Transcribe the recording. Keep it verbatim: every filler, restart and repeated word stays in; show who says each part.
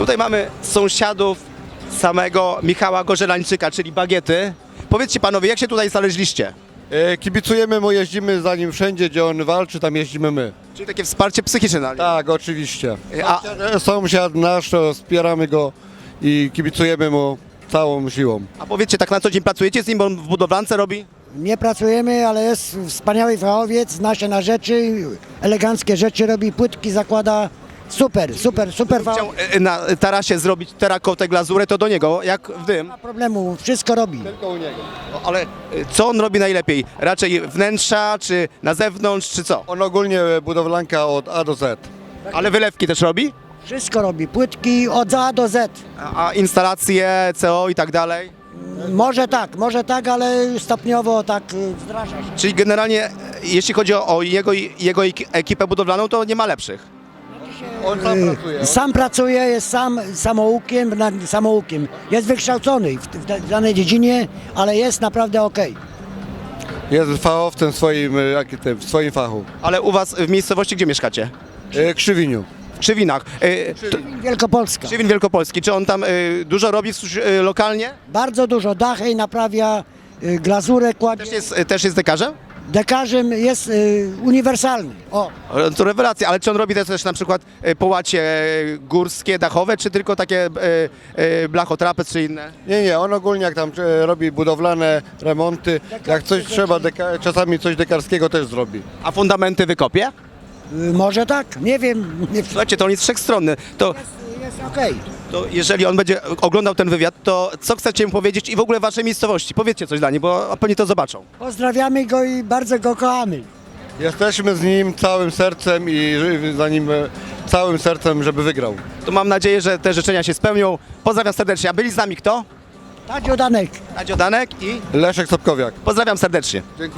Speaker 1: Tutaj mamy sąsiadów samego Michała Korzelańczyka, czyli Bagiety. Powiedzcie panowie, jak się tutaj znaleźliście?
Speaker 2: E, Kibicujemy mu, jeździmy za nim wszędzie, gdzie on walczy, tam jeździmy my.
Speaker 1: Czyli takie wsparcie psychiczne na nim.
Speaker 2: Tak, oczywiście.
Speaker 1: A-
Speaker 2: Sąsiad, sąsiad nasz, to wspieramy go i kibicujemy mu całą siłą.
Speaker 1: A powiedzcie, tak na co dzień pracujecie z nim, bo on w budowlance robi?
Speaker 3: Nie pracujemy, ale jest wspaniały fachowiec, zna się na rzeczy, eleganckie rzeczy robi, płytki zakłada. Super, super, super
Speaker 1: Chciał
Speaker 3: fachowiec.
Speaker 1: e, na tarasie zrobić terakotę, glazurę, to do niego, jak w dym.
Speaker 3: Nie ma problemu, wszystko robi.
Speaker 2: Tylko u niego.
Speaker 1: No, ale e, co on robi najlepiej? Raczej wnętrza, czy na zewnątrz, czy co?
Speaker 2: On ogólnie budowlanka od A do Z.
Speaker 1: Ale wylewki też robi?
Speaker 3: Wszystko robi, płytki od A do Z.
Speaker 1: A, a instalacje, C O i tak dalej?
Speaker 3: Może tak, może tak, ale stopniowo tak y, wdraża się.
Speaker 1: Czyli generalnie, e, jeśli chodzi o, o jego, jego ek- ekipę budowlaną, to nie ma lepszych.
Speaker 2: On sam pracuje.
Speaker 3: Sam pracuje, jest sam samoukiem, na- samoukiem. Jest wykształcony w, w, w danej dziedzinie, ale jest naprawdę okej.
Speaker 2: Jest fachowcem w swoim, e, jak tym, w swoim fachu.
Speaker 1: Ale u was w miejscowości, gdzie mieszkacie?
Speaker 2: E, Krzywiniu.
Speaker 1: W Krzywinach. E, to,
Speaker 3: Wielkopolska.
Speaker 1: Krzywin Wielkopolski. Czy on tam e, dużo robi w, e, lokalnie?
Speaker 3: Bardzo dużo dachy naprawia, y, glazurę kładzie.
Speaker 1: Też jest, e, też jest dekarzem?
Speaker 3: Dekarzem jest y, uniwersalny. O,
Speaker 1: O, to rewelacja, ale czy on robi też na przykład e, połacie e, górskie, dachowe, czy tylko takie e, e, blachotrapez czy inne?
Speaker 2: Nie, nie, on ogólnie jak tam e, robi budowlane remonty, jak coś trzeba, deka, czasami coś dekarskiego też zrobi.
Speaker 1: A fundamenty wykopie?
Speaker 3: y, może tak, nie wiem. Nie,
Speaker 1: Słuchajcie, to on jest wszechstronny. To,
Speaker 3: jest okej.
Speaker 1: to jeżeli on będzie oglądał ten wywiad, to co chcecie mu powiedzieć i w ogóle waszej miejscowości? Powiedzcie coś dla niej, bo pewnie to zobaczą.
Speaker 3: Pozdrawiamy go i bardzo go kochamy.
Speaker 2: Jesteśmy z nim całym sercem i ży- za nim e, całym sercem, żeby wygrał.
Speaker 1: To mam nadzieję, że te życzenia się spełnią. Pozdrawiam serdecznie. A byli z nami kto?
Speaker 3: Tadzio Danek.
Speaker 1: Tadzio Danek i
Speaker 2: Leszek Sobkowiak.
Speaker 1: pozdrawiam serdecznie.
Speaker 2: Dziękuję.